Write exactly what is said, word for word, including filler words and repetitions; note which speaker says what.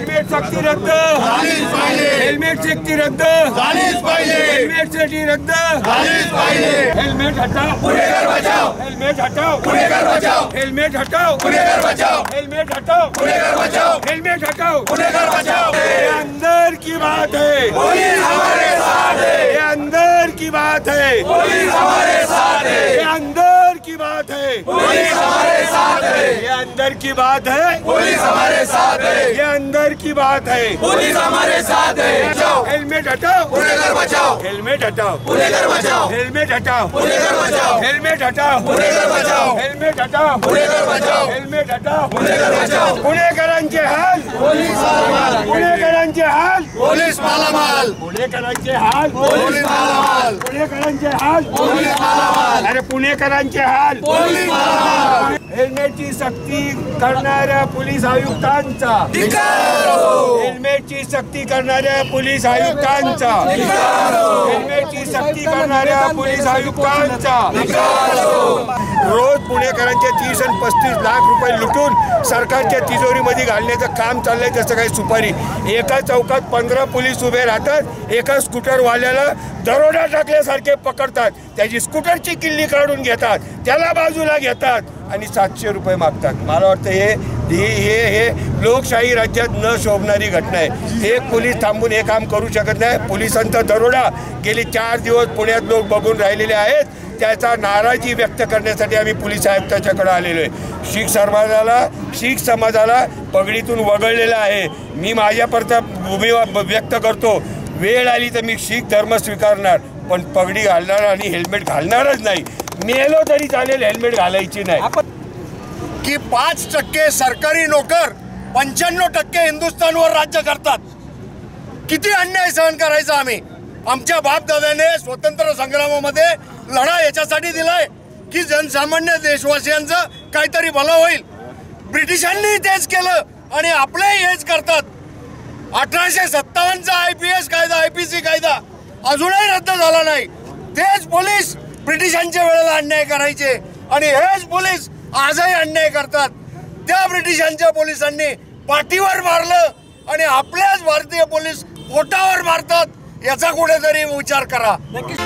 Speaker 1: Helmet सक्ती रद्द झालीच पाहिजे। हेल्मेट सक्ती रद्द झालीच पाहिजे। हेल्मेट सक्ती रद्द झालीच पाहिजे। हेल्मेट हटाओ गुनेगार बचाओ। हेल्मेट हटाओ गुनेगार बचाओ। हेल्मेट हटाओ गुनेगार बचाओ। हेल्मेट हटाओ गुनेगार बचाओ। हेल्मेट हटाओ गुनेगार बचाओ। ये अंदर की बात है, पुलिस हमारे साथ है। ये अंदर की बात है, पुलिस हमारे साथ है। ये अंदर की बात है, पुलिस हमारे साथ है। ये अंदर की बात है, पुलिस हमारे साथ है। ये अंदर की बात है, पुलिस हमारे साथ है। हेल्मेट हटाओ गुनेगार बचाओ। हेल्मेट हटाओ गुनेगार बचाओ। हेल्मेट हटाओ गुनेगार बचाओ। हेल्मेट हटाओ गुनेगार बचाओ। हेल्मेट हटाओ गुनेगार बचाओ। हेल्मेट हटाओ गुनेगार बचाओ। गुन्हेगारांचे हाल पोलीस मालामाल। गुन्हेगारांचे हाल पोलीस मालामाल। पुणेकरांचे हाल पोलीस मालामाल। पुणेकरांचे हाल पोलीस मालामाल। अरे पुणेकरांचे हाल पोलीस मालामाल। हेल्मेटची सक्ती करणाऱ्या पोलीस आयुक्तांचा हेल्मेटची सक्ती करणाऱ्या पोलीस आयुक्तांचा हेल्मेटची सक्ती करणाऱ्या पोलीस आयुक्तांचा रोज पुणेकरांचे तीस आणि पस्तीस लाख रुपये लुटून सरकारच्या तिजोरीमध्ये घालण्याचं काम चाललंय। जसं काही सुपारी एका चौकात पंधरा पोलीस उभे राहतात, एका स्कूटरवाल्याला दरोडा टाकल्यासारखे पकडतात, त्याची स्कूटरची किल्ली काढून घेतात, त्याला बाजूला घेतात आणि सातशे रुपये मागतात। मला वाटतं हे हे हे हे लोकशाही राज्यात न शोभणारी घटना आहे। एक पोलीस थांबून हे काम करू शकत नाही। पोलिसांचा दरोडा गेली चार दिवस पुण्यात लोक बघून राहिलेले आहेत, त्याचा नाराजी व्यक्त करण्यासाठी आम्ही पोलीस आयुक्ताच्याकडे आलेलो आहे। शीख समाजाला शीख समाजाला पगडीतून वगळलेला आहे। मी माझ्यापर्यंत भूमिका व्यक्त करतो, वेळ आली तर मी शीख धर्म स्वीकारणार, पण पगडी घालणार आणि हेल्मेट घालणारच नाही। मेलो तरी चालेल, हेल्मेट घालायची नाही।
Speaker 2: की पाच टक्के सरकारी नोकर पंच्याण्णव टक्के हिंदुस्थानवर राज्य करतात। किती अन्याय सहन करायचा आम्ही। आमच्या बापदादाने स्वतंत्र संग्रामामध्ये लढा याच्यासाठी दिलाय की जनसामान्य देशवासियांचं काहीतरी भलं होईल। ब्रिटिशांनी तेच केलं आणि आपलेही हेच करतात। अठराशे सत्तावन्नचा आय पी एस कायदा आय पी सी कायदा अजूनही रद्द झाला नाही। तेच पोलीस ब्रिटिशांच्या वेळेला अन्याय करायचे आणि हेच पोलीस आजही अन्याय करतात। त्या ब्रिटिशांच्या पोलिसांनी पाठीवर मारलं आणि आपल्याच भारतीय पोलीस पोटावर मारतात, याचा कुठेतरी विचार करा।